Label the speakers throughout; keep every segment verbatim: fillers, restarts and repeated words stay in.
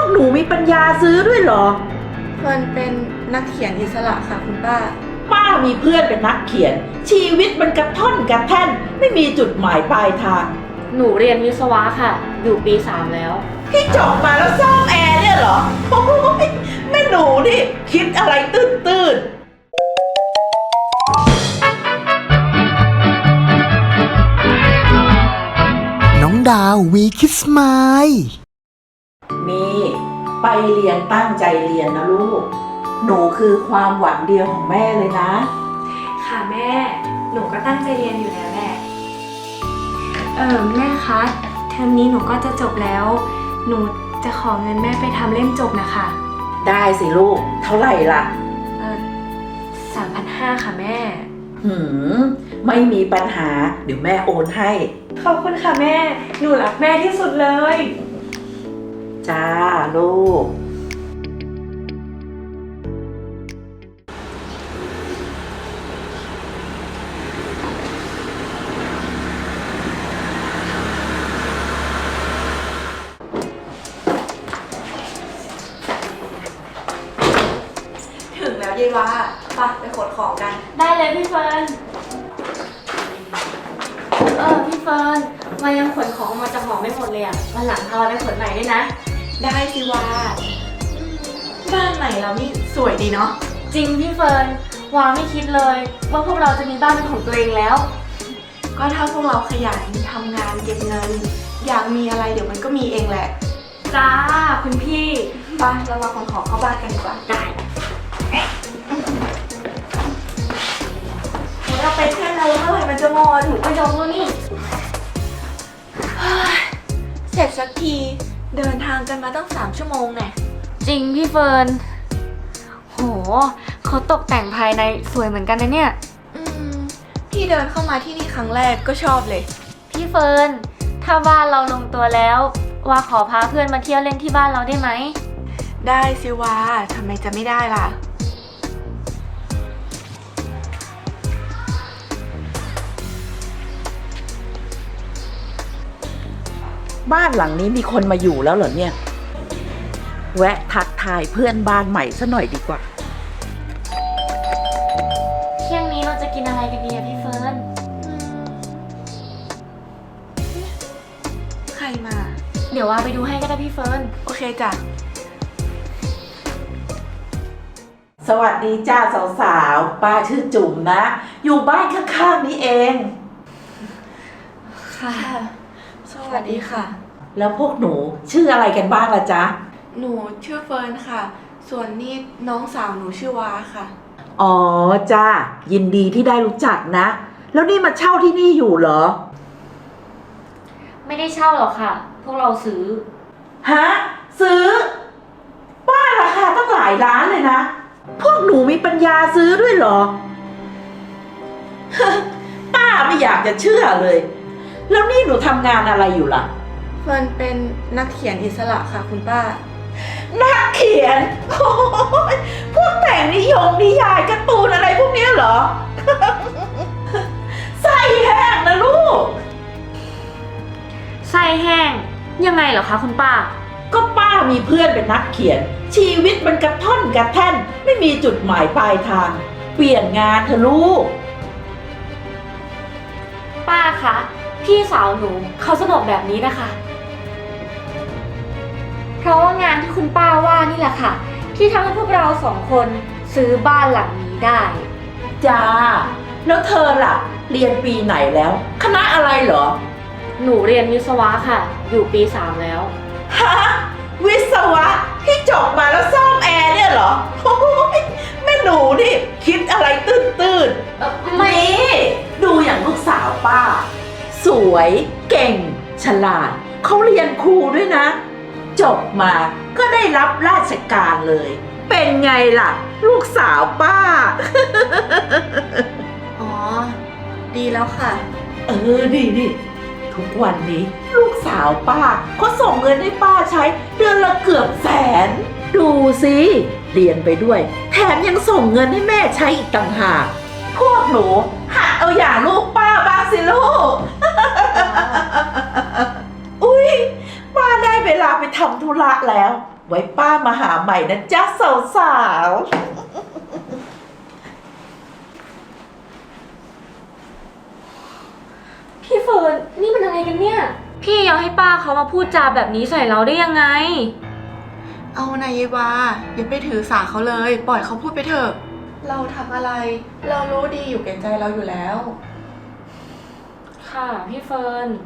Speaker 1: หนูมีปัญญาซื้อด้วยเหรอ
Speaker 2: เฟิร์นเป็นนักเขียนอิสระค่ะคุณป้า
Speaker 1: ป้ามีเพื่อนเป็นนักเขียนชีวิตมันกระท่อนกระแท่นไม่มีจุดหมายปลายทาง
Speaker 3: หนูเรียนวิศวะค่ะอยู่ปีสามแล้ว
Speaker 1: พี่จบมาแล้วซ่อมแอร์เนี่ยเหรอโอ้ยแม่หนูนี่คิดอะไรตื้นตื้น
Speaker 4: น้องดาววีคิสมาย
Speaker 1: มีไปเรียนตั้งใจเรียนนะลูกหนูคือความหวังเดียวของแม่เลยนะ
Speaker 5: ค่ะแม่หนูก็ตั้งใจเรียนอยู่แล้วแหละเออแม่คะเทอมนี้หนูก็จะจบแล้วหนูจะขอเงินแม่ไปทำเล่มจบนะคะ
Speaker 1: ได้สิลูกเท่าไหร่ล่ะ
Speaker 5: เออสามพันห้าค่ะแม่
Speaker 1: หืมไม่มีปัญหาเดี๋ยวแม่โอนให้
Speaker 5: ขอบคุณค่ะแม่หนูรักแม่ที่สุดเลย
Speaker 1: จ้าลูก
Speaker 2: ถึงแล้วยายว่าไปไปขนของกัน
Speaker 3: ได้เลยพี่เฟิร์นเออพี่เฟิร์นมายังขนของมาจากหอไม่หมดเลยอ่ะวันหลังพาเราไปขนใหม่ด้วยนะ
Speaker 2: ได้สิว่าบ้านใหม่เรานี่สวยดีเนาะ
Speaker 3: จริงพี่เฟิร์นวาไม่คิดเลยว่าพวกเราจะมีบ้านเป็นของตัวเองแล้ว
Speaker 2: ก็ถ้าพวกเราขยันทำงานเก็บเงินอยากมีอะไรเดี๋ยวมันก็มีเองแหละ
Speaker 3: จ้าคุณพี่
Speaker 2: ไปเรามาขนของเข้าบ้านกันดีกว่า
Speaker 3: ได้
Speaker 2: เราไปแค่นั้นเมื่อไหร่มันจะหมด
Speaker 3: หนูก็ยอมแล้วนี่
Speaker 2: เสร็จสักทีเดินทางกันมาตั้งสามชั่วโมงแน่
Speaker 3: จริงพี่เฟิร์นโหเขาตกแต่งภายในสวยเหมือนกันนะเนี่ย
Speaker 2: อืมพี่เดินเข้ามาที่นี่ครั้งแรกก็ชอบเลย
Speaker 3: พี่เฟิร์นถ้าบ้านเราลงตัวแล้วว่าขอพาเพื่อนมาเที่ยวเล่นที่บ้านเราได้ไหม
Speaker 2: ได้สิวาทำไมจะไม่ได้ล่ะ
Speaker 1: บ้านหลังนี้มีคนมาอยู่แล้วเหรอเนี่ยแวะทักทายเพื่อนบ้านใหม่ซะหน่อยดีกว่า
Speaker 3: เที่ยงนี้เราจะกินอะไรกันดีอะพี่เฟิร์น
Speaker 2: ใครมา
Speaker 3: เดี๋ยวว่าไปดูให้ก็ได้พี่เฟิร์น
Speaker 2: โอเคจ้ะ
Speaker 1: สวัสดีจ้าสาวๆป้าชื่อจุ๋มนะอยู่บ้านข้างๆนี้เอง
Speaker 2: ค่ะสวัสดีค่ะ
Speaker 1: แล้วพวกหนูชื่ออะไรกันบ้างล่ะจ๊ะ
Speaker 2: หนูชื่อเฟิร์นค่ะส่วนนี่น้องสาวหนูชื่อวาค่ะ
Speaker 1: อ๋อจ้ายินดีที่ได้รู้จักนะแล้วนี่มาเช่าที่นี่อยู่เหรอ
Speaker 3: ไม่ได้เช่าหรอกค่ะพวกเราซื้อ
Speaker 1: ฮะซื้อบ้านราคาตั้งหลายล้านเลยนะพวกหนูมีปัญญาซื้อด้วยเหรอ ป้าไม่อยากจะเชื่อเลยแล้วนี่หนูทำงานอะไรอยู่ล่ะ
Speaker 2: เฟิร์นเป็นนักเขียนอิสระค่ะคุณป้า
Speaker 1: นักเขียนโอ้ยพวกแต่งนิยมนิยายการ์ตูนอะไรพวกนี้เหรอ ไส้แห้งนะลูก
Speaker 3: ไส้แห้งยังไงเหรอคะคุณป้า
Speaker 1: ก็ป้ามีเพื่อนเป็นนักเขียนชีวิตมันกระท่อนกระแท่นไม่มีจุดหมายปลายทางเปลี่ยนงานเถอะลูก
Speaker 3: ป้าคะพี่สาวหนูเขาสนุกแบบนี้นะคะเพราะว่างานที่คุณป้าว่านี่แหละค่ะที่ทำให้พวกเราสองคนซื้อบ้านหลังนี้ได้
Speaker 1: จ้าแล้วเธอล่ะเรียนปีไหนแล้วคณะอะไรเหรอ
Speaker 3: หนูเรียนวิศวะค่ะอยู่ปีสามแล้ว
Speaker 1: ฮะวิศวะที่จบมาแล้วซ่อมแอร์เนี่ยเหรอโอ้ยแม่หนูนี่คิดอะไรตื้นตื้น
Speaker 3: ไม่
Speaker 1: ดูอย่างลูกสาวป้าสวยเก่งฉลาดเขาเรียนครูด้วยนะจบมาก็ได้รับราชการเลยเป็นไงล่ะลูกสาวป้า
Speaker 2: อ๋อดีแล้วค่ะ
Speaker 1: เออดีดิทุกวันนี้ลูกสาวป้าเขาส่งเงินให้ป้าใช้เดือนละเกือบแสนดูสิเรียนไปด้วยแถมยังส่งเงินให้แม่ใช้อีกต่างหากพวกหนูหัดเอาอย่างลูกป้าบ้างสิลูก อุ๊ยป้าได้ไปเวลาไปทำธุระแล้ว ไว้ป้ามาหาใหม่นะจ๊ะสาวๆ
Speaker 3: พี่เฟิร์นนี่มันอะไรกันเนี่ย พี่ยังให้ป้าเขามาพูดจาแบบนี้ใส่เราได้ยังไง
Speaker 2: เอานายยวาอย่าไปถือสาเขาเลย ปล่อยเขาพูดไปเถอะ เราทำอะไร เรารู้ดีอยู่แก่ใจเราอยู่แล้ว
Speaker 3: ค่ะพี่เฟิร์น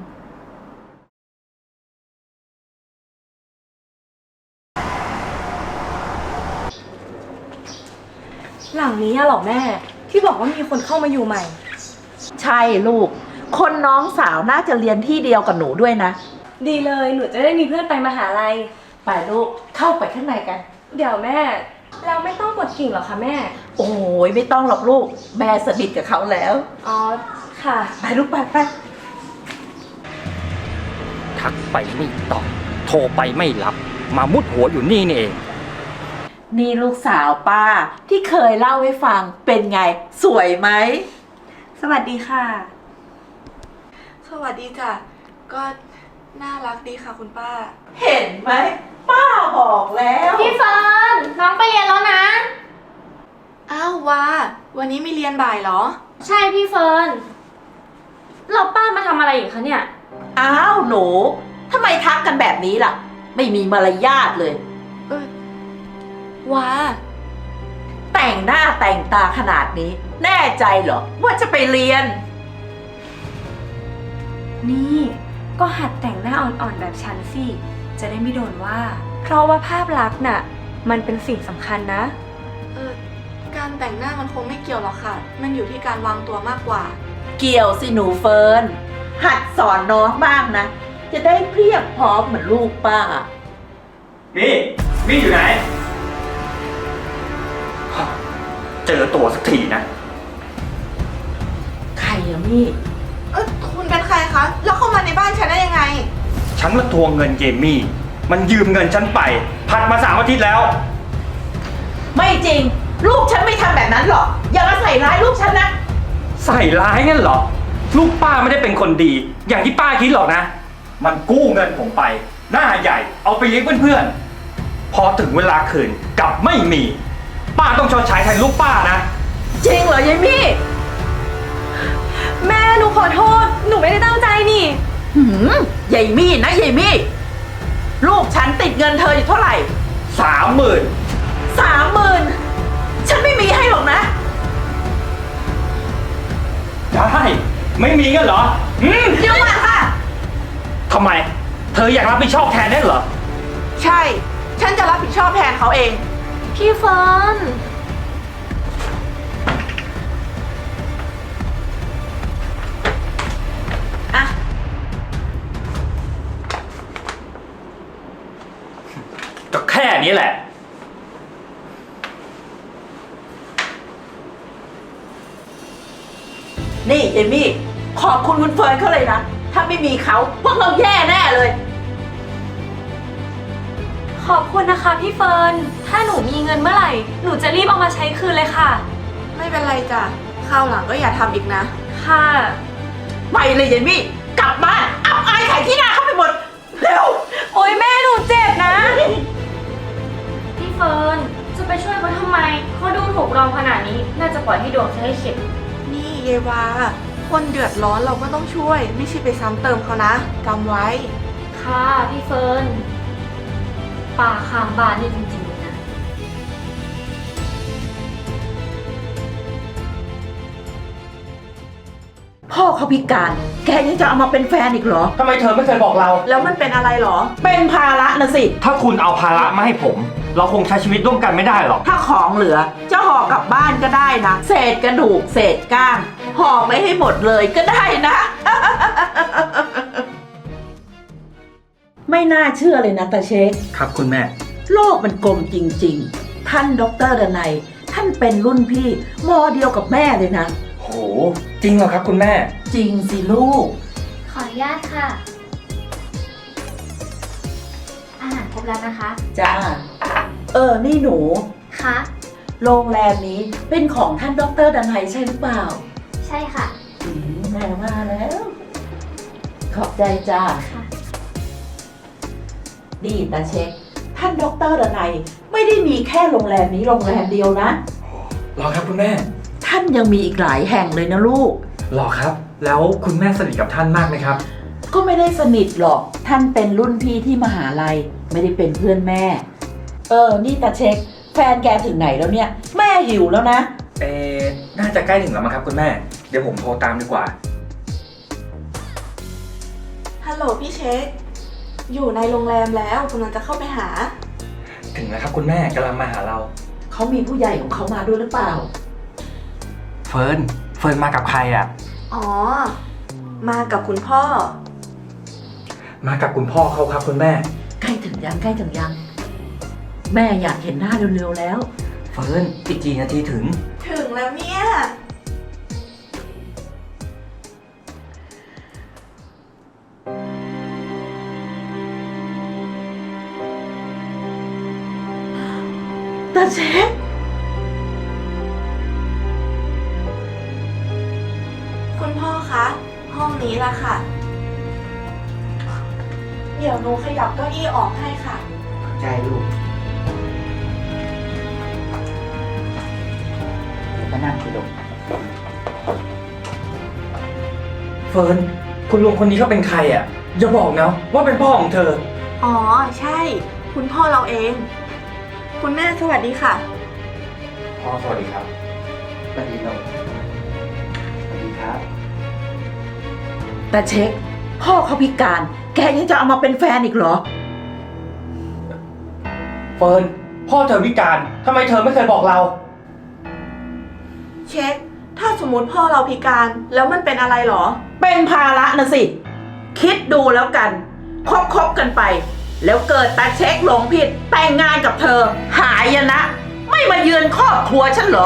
Speaker 5: หลังนี้อะเหรอแม่ ที่บอกว่ามีคนเข้ามาอยู่ใหม่
Speaker 1: ใช่ลูก คนน้องสาวน่าจะเรียนที่เดียวกับหนูด้วยนะ
Speaker 5: ดีเลยหนูจะได้มีเพื่อนไปมหาลัย
Speaker 1: ไปลูกเข้าไปข้างในกัน
Speaker 5: เดี๋ยวแม่ เราไม่ต้องกดกิ่งหรอคะแม่
Speaker 1: โอ้ยไม่ต้องหรอกลูก แม่สนิทกับเขาแล้ว
Speaker 5: อ๋อ ค่ะ
Speaker 1: ไปลูกไปไป
Speaker 6: ทักไปไม่ตอบโทรไปไม่รับ มามุดหัวอยู่นี่นี่เอง
Speaker 1: นี่ลูกสาวป้าที่เคยเล่าให้ฟังเป็นไง สวยไหม
Speaker 5: สวัสดีค่ะ
Speaker 2: สวัสดีจ้ะ ก็น่ารักดีค่ะคุณป้า
Speaker 1: เห็นไหมป้าบอกแล้ว
Speaker 3: พี่เฟิร์นน้องไปเรียนแล้วนะ
Speaker 2: อ้าววาวันนี้ไม่เรียนบ่ายเหรอ
Speaker 3: ใช่พี่เฟิร์นเราป้ามาทำอะไรอีกคะเนี่ย
Speaker 1: อ้าวหนูทำไมทักกันแบบนี้ล่ะ ไม่มีมารยาทเลย
Speaker 2: เออวา
Speaker 1: แต่งหน้าแต่งตาขนาดนี้ แน่ใจเหรอว่าจะไปเรียน
Speaker 5: นี่ก็หัดแต่งหน้าอ่อนๆแบบฉันสิ จะได้ไม่โดนว่า เพราะว่าภาพลักษณ์น่ะ มันเป็นสิ่งสำคัญนะ
Speaker 2: เออการแต่งหน้ามันคงไม่เกี่ยวหรอกค่ะ มันอยู่ที่การวางตัวมากกว่า
Speaker 1: เกี่ยวสิหนูเฟิร์นหัดสอนน้องบ้างนะ จะได้เพียบพร้อมเหมือนลูกป้า
Speaker 6: มี่มี่อยู่ไหน เจอตัวสักทีนะ
Speaker 1: ใครอะมี่
Speaker 2: เออคุณเป็นใครคะ แล้วเข้ามาในบ้านฉันได้ยังไง
Speaker 6: ฉันมาทวงเงินเยมี่ มันยืมเงินฉันไป ผัดมาสามอาทิตย์แล้ว
Speaker 1: ไม่จริง ลูกฉันไม่ทำแบบนั้นหรอก อย่ามาใส่ร้ายลูกฉันนะ
Speaker 6: ใส่ร้ายงั้นเหรอ ลูกป้าไม่ได้เป็นคนดี อย่างที่ป้าคิดหรอกนะ มันกู้เงินผมไป หน้าใหญ่ เอาไปเลี้ยงเพื่อนๆ พอถึงเวลาคืนกลับไม่มี ป้าต้องชดใช้แทนลูกป้านะ
Speaker 1: จริงเหรอยายมี่
Speaker 5: แม่หนูขอโทษ หนูไม่ได้ตั้งใจนี่
Speaker 1: หืมยายมี่นะยายมี่ ลูกฉันติดเงินเธออยู่เท่าไหร่
Speaker 6: สามหมื่น
Speaker 1: สามหมื่นฉันไม่มีให้หรอกนะ
Speaker 6: ได้ ไม่มีกันเหรอ อืม
Speaker 1: เดี๋ยวก่อนค่ะ
Speaker 6: ทำไม เธออยากรับผิดชอบแทนได้เหรอ
Speaker 2: ใช่ ฉันจะรับผิดชอบแทนเขาเอง
Speaker 3: พี่เฟิร์น
Speaker 1: อ่ะ
Speaker 6: ก็แค่นี้แหละ
Speaker 1: นี่เอมี่ ขอบคุณคุณเฟิร์นเขาเลยนะ ถ้าไม่มีเขาพวกเราแย่แน่เลย
Speaker 5: ขอบคุณนะคะพี่เฟิร์น ถ้าหนูมีเงินเมื่อไหร่ หนูจะรีบเอามาใช้คืนเลยค่ะ
Speaker 2: ไม่เป็นไรจ้ะ คราวหลังก็อย่าทำอีกนะ
Speaker 5: ค่ะ
Speaker 1: ไปเลยเยมี่ กลับบ้านอับอายขายที่หน้าเข้าไปหมด เร็ว
Speaker 5: โอ๊ยแม่หนูเจ็บนะ
Speaker 3: พี่เฟิร์นจะไปช่วยเขาทำไมเขาดูถูกเราขนาดนี้ น่าจะปล่อยให้ดวงเธอให้เข็ด
Speaker 2: นี่เยวา คนเดือดร้อนเราก็ต้องช่วย ไม่ใช่ไปซ้ำเติมเขานะจำไว้
Speaker 3: ค่ะพี่เฟิร์นป่าข้างบ้านนี่จริงๆเลยนะ
Speaker 1: พ่อเขาพิการ แกยังจะเอามาเป็นแฟนอีกเหรอ
Speaker 6: ทำไมเธอไม่เคยบอกเรา
Speaker 2: แล้วมันเป็นอะไรเหรอ
Speaker 1: เป็นภาระนะสิ
Speaker 6: ถ้าคุณเอาภาระมาให้ผม เราคงใช้ชีวิตร่วมกันไม่ได้หรอก
Speaker 1: ถ้าของเหลือจะห่อกลับบ้านก็ได้นะ เศษกระดูก เศษก้างห่อไม่ให้หมดเลยก็ได้นะ ไม่น่าเชื่อเลยนะตาเช็ค
Speaker 6: ครับคุณแม่
Speaker 1: โลกมันกลมจริงๆ ท่านดรดนัย ท่านเป็นรุ่นพี่มอเดียวกับแม่เลยนะ
Speaker 6: โห จริงเหรอครับคุณแม่
Speaker 1: จริงสิลูก
Speaker 3: ขออนุญาตค่ะ อาหารครบแล้วนะคะ
Speaker 1: จ้า เออ นี่หนู
Speaker 3: คะ
Speaker 1: โรงแรมนี้เป็นของท่านดรดนัยใช่หรือเปล่า
Speaker 3: ใช่ค่ะ
Speaker 1: อืมแม่มาแล้ว ขอบใจจ้า
Speaker 3: ค่ะ
Speaker 1: นี่ตาเช็ค ท่านดอกเตอรดนัยไม่ได้มีแค่โรงแรมนี้โรงแรมเดียวนะ
Speaker 6: รอครับคุณแม่
Speaker 1: ท่านยังมีอีกหลายแห่งเลยนะลูก
Speaker 6: รอครับ แล้วคุณแม่สนิทกับท่านมากไหมครับ
Speaker 1: ก็ไม่ได้สนิทหรอก ท่านเป็นรุ่นพี่ที่มหาลัย ไม่ได้เป็นเพื่อนแม่ เออ นี่ตาเช็ค แฟนแกถึงไหนแล้วเนี่ย แม่หิวแล้วนะ
Speaker 6: เอ๊ะน่าจะใกล้ถึงแล้วมั้งครับคุณแม่ เดี๋ยวผมโทรตามดีกว่า
Speaker 2: ฮัลโหลพี่เช็ค อยู่ในโรงแรมแล้วกำลังจะเข้าไปหา
Speaker 6: ถึงแล้วครับคุณแม่กำลังมาหาเรา
Speaker 1: เขามีผู้ใหญ่ของเขามาด้วยหรือเปล่า
Speaker 6: เฟิร์น เฟิร์นมากับใครอ่ะ
Speaker 2: อ๋อ มากับคุณพ่อ
Speaker 6: มากับคุณพ่อเขาครับคุณแม่
Speaker 1: ใกล้ถึงยังใกล้ถึงยัง แม่อยากเห็นหน้าเร็วๆแล้ว
Speaker 6: เฟิร์นอีกกี่นาทีถึง
Speaker 2: ถึงแล้วเนี่ย
Speaker 1: ตาเช็ค
Speaker 2: คุณพ่อคะ ห้องนี้ละค่ะ เดี๋ยวหนูขยับเก้าอี้ออกให้ค่ะ
Speaker 7: ใจลูกเดี๋ยวก็นั่งสิลูก
Speaker 6: เฟิร์น คุณลุงคนนี้เขาเป็นใครอ่ะ อย่าบอกนะว่าเป็นพ่อของเธอ
Speaker 2: อ๋อ ใช่ คุณพ่อเราเอง คุณแม่สวัสดีค่ะ
Speaker 6: พ่อสวัสดีครับ
Speaker 7: สวัสดีลูกสวัสดีครับ
Speaker 1: ตาเช็ค พ่อเขาพิการ แกยังจะเอามาเป็นแฟนอีกเหรอ
Speaker 6: เฟิร์น พ่อเธอพิการทำไมเธอไม่เคยบอกเรา
Speaker 2: เช็ค ถ้าสมมติพ่อเราพิการแล้วมันเป็นอะไรเหรอ
Speaker 1: เป็นภาระนะสิ คิดดูแล้วกัน คบคบกันไป แล้วเกิดตาเช็คหลงผิด แต่งงานกับเธอ หายนะ ไม่มาเยือนครอบครัวฉันเหรอ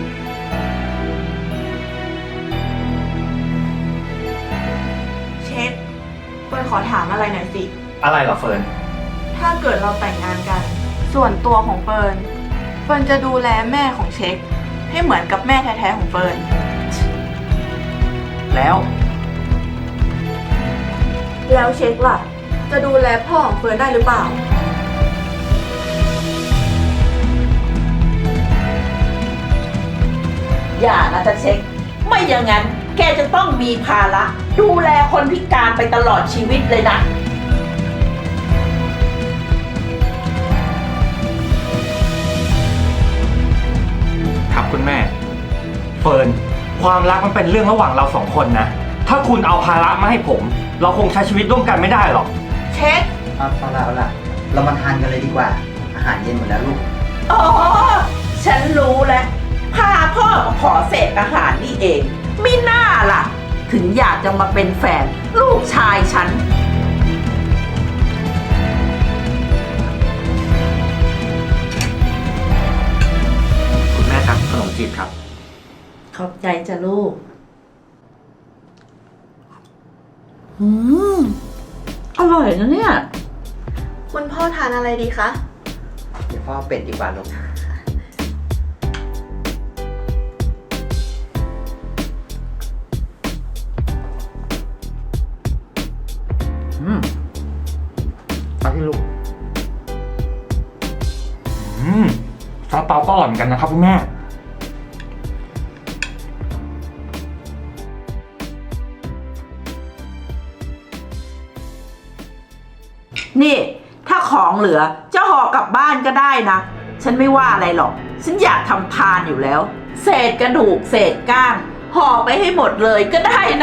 Speaker 2: เช็คเฟิร์นขอถามอะไรหน่อยสิ
Speaker 6: อะไรเหรอเฟิร์น
Speaker 2: ถ้าเกิดเราแต่งงานกัน ส่วนตัวของเฟิร์น เฟิร์นจะดูแลแม่ของเช็ค ให้เหมือนกับแม่แท้ๆของเฟิร์น
Speaker 6: แล้ว
Speaker 2: แล้วเช็คล่ะ จะดูแลพ่อของเฟิร์นได้หรือเปล่า
Speaker 1: อย่านะตาเช็ค ไม่อย่างนั้น แกจะต้องมีภาระ ดูแลคนพิการไปตลอดชีวิตเลยนะ
Speaker 6: ครับคุณแม่ เฟิร์น ความรักมันเป็นเรื่องระหว่างเราสองคนนะ ถ้าคุณเอาภาระมาให้ผม เราคงใช้ชีวิตร่วมกันไม่ได้หรอก
Speaker 2: เช็ค
Speaker 7: เอาเอาละเอาละเรามาทานกันเลยดีกว่า อาหารเย็นหมดแล้วลูก
Speaker 1: อ๋อ ฉันรู้แล้ว พาพ่อมาขอเศษอาหารนี่เองมิน่าล่ะ ถึงอยากจะมาเป็นแฟน ลูกชายฉัน
Speaker 6: คุณแม่ครับขนมจีบครับ
Speaker 1: ขอบใจจ้ะลูก อืม อร่อยนะเนี่ย
Speaker 2: คุณพ่อทานอะไรดีคะ
Speaker 7: เดี๋ยวพ่อเอาเป็ดดีกว่าลูก อืมเอาที่ลูก
Speaker 6: อืมซาเปาก็อร่อยเหมือนกันนะครับคุณแม่
Speaker 1: นี่ ถ้าของเหลือจะห่อกลับบ้านก็ได้นะ ฉันไม่ว่าอะไรหรอก ฉันอยากทำทานอยู่แล้ว เศษกระดูกเศษก้างห่อไปให้หมดเลยก็ได้นะ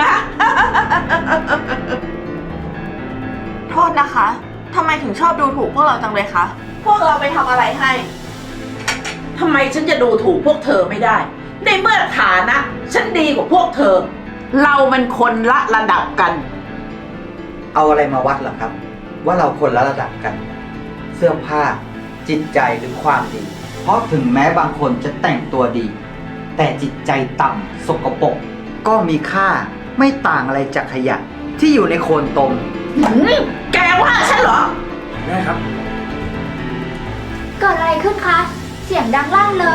Speaker 2: โทษนะคะทำไมถึงชอบดูถูกพวกเราจังเลยคะ พวกเราไปทำอะไรให้
Speaker 1: ทำไมฉันจะดูถูกพวกเธอไม่ได้ ในเมื่อฐานะ ฉันดีกว่าพวกเธอ เรามันคนละระดับกัน
Speaker 7: เอาอะไรมาวัดเหรอครับ ว่าเราคนละระดับกัน เสื้อผ้า จิตใจหรือความดี เพราะถึงแม้บางคนจะแต่งตัวดี แต่จิตใจต่ำสกปรกก็มีค่าไม่ต่างอะไรจากขยะที่อยู่ในโคลนตม
Speaker 1: หืมแกว่าฉันเหรอ
Speaker 6: แม่ครับ
Speaker 8: เกิดอะไรขึ้นคะ เสียงดังลั่นเลย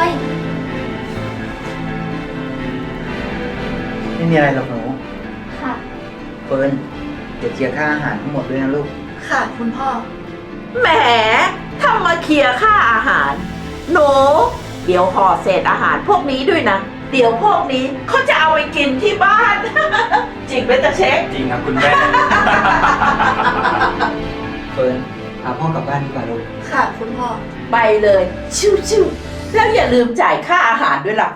Speaker 7: ไม่มีอะไรหรอกหนู
Speaker 8: ค่ะ
Speaker 7: เฟิร์นเดี๋ยวเคลียร์ค่าอาหารทั้งหมดด้วยนะลูก
Speaker 2: ค่ะ คุณพ่อ
Speaker 1: แหมทำมาเคลียร์ค่าอาหาร หนู เดี๋ยวห่อเศษอาหารพวกนี้ด้วยนะ เดี๋ยวพวกนี้เขาจะเอาไปกินที่บ้าน จริงไหมตาเช็ค
Speaker 6: จริงครับคุณแม่
Speaker 7: เฟิร์นพาพ่อกลับบ้านดีกว่าลูก
Speaker 2: ค่ะคุณพ่อ
Speaker 1: ไปเลย ชิวๆแล้วอย่าลืมจ่ายค่าอาหารด้วยล่ะ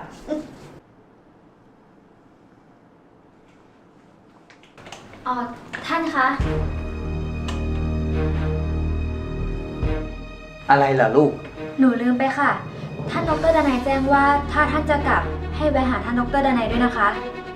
Speaker 8: อ๋อ ท่านคะ
Speaker 7: อะไรเหรอลูก
Speaker 8: หนูลืมไปค่ะ ท่านดรดนัยแจ้งว่าถ้าท่านจะกลับให้แวะหาท่านดรดนัยด้วยนะคะ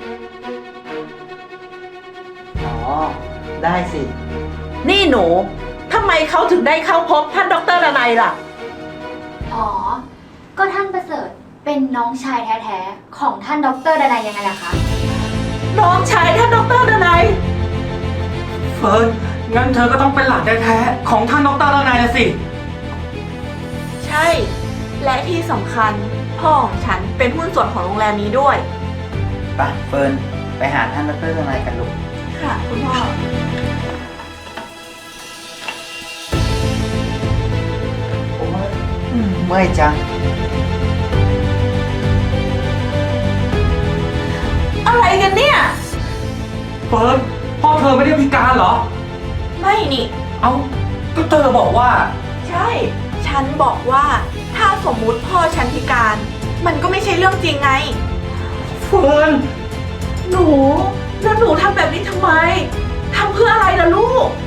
Speaker 7: อ๋อ ได้สิ
Speaker 1: นี่หนูทำไมเขาถึงได้เข้าพบท่านดรดนัยล่ะ
Speaker 8: อ๋อ ก็ท่านประเสริฐเป็นน้องชายแท้ๆของท่านดรดนัยยังไงล่ะคะ
Speaker 1: น้องชายท่านดรดนัย
Speaker 6: เฟิร์น งั้นเธอก็ต้องเป็นหลานแท้ๆของท่านดรดนัยนะสิ
Speaker 2: ใช่ และที่สำคัญพ่อของฉันเป็นหุ้นส่วนของโรงแรมนี้ด้วย
Speaker 7: ไปเฟิร์น ไปหาท่านดรนายกันลูก
Speaker 2: ค่ะ คุณพ่อ
Speaker 7: โอ้ยอืมเมื่อยจัง
Speaker 1: อะไรกันเนี่ย
Speaker 6: เฟิร์น พ่อเธอไม่ได้พิการเหรอ
Speaker 2: ไม่นี่
Speaker 6: เอ้า ก็เธอบอกว่า
Speaker 2: ใช่ ฉันบอกว่าถ้าสมมุติพ่อฉันพิการ มันก็ไม่ใช่เรื่องจริงไง
Speaker 6: เฟิร์น
Speaker 1: หนู แล้วหนูทำแบบนี้ทำไม ทำเพื่ออะไรล่ะลูก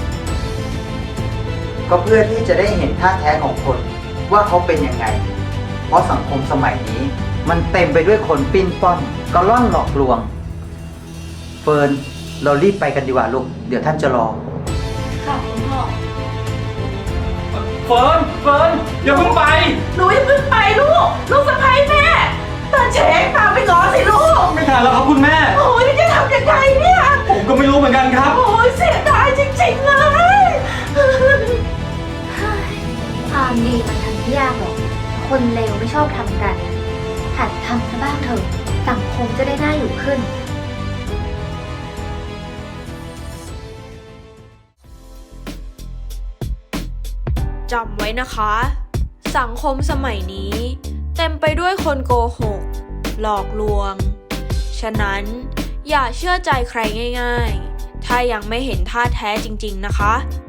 Speaker 7: ก็เพื่อที่จะได้เห็นท่าแท้ของคนว่าเขาเป็นยังไง เพราะสังคมสมัยนี้ มันเต็มไปด้วยคนปิ้นป้อนกระล่อนหลอกลวง เฟิร์น เรารีบไปกันดีกว่าลูก เดี๋ยวท่านจะรอ
Speaker 2: ค่ะคุณพ่อ
Speaker 6: เฟิร์น เฟิร์น อย่าเพิ่งไป
Speaker 1: หนูอย่าเพิ่งไปลูก ลูกสะใภ้แม่ตาเช็คตามไปง้อสิลูก
Speaker 6: ไม่ทันแล้วครับคุณแม่
Speaker 1: โอ้ยจะทำยังไงเนี่ย
Speaker 6: ผมก็ไม่รู้เหมือนกันครับ
Speaker 1: โอ้ยเสียดายจริงๆเลย
Speaker 8: ความดีมันทำไม่ยากหรอก คนเลวไม่ชอบทำกัน หัดทำซะบ้างเถอะ สังคมจะได้น่าอยู่ขึ้น
Speaker 9: จำไว้นะคะ สังคมสมัยนี้ เต็มไปด้วยคนโกหก หลอกลวง ฉะนั้นอย่าเชื่อใจใครง่ายๆ ถ้ายังไม่เห็นท่าแท้จริงๆนะคะ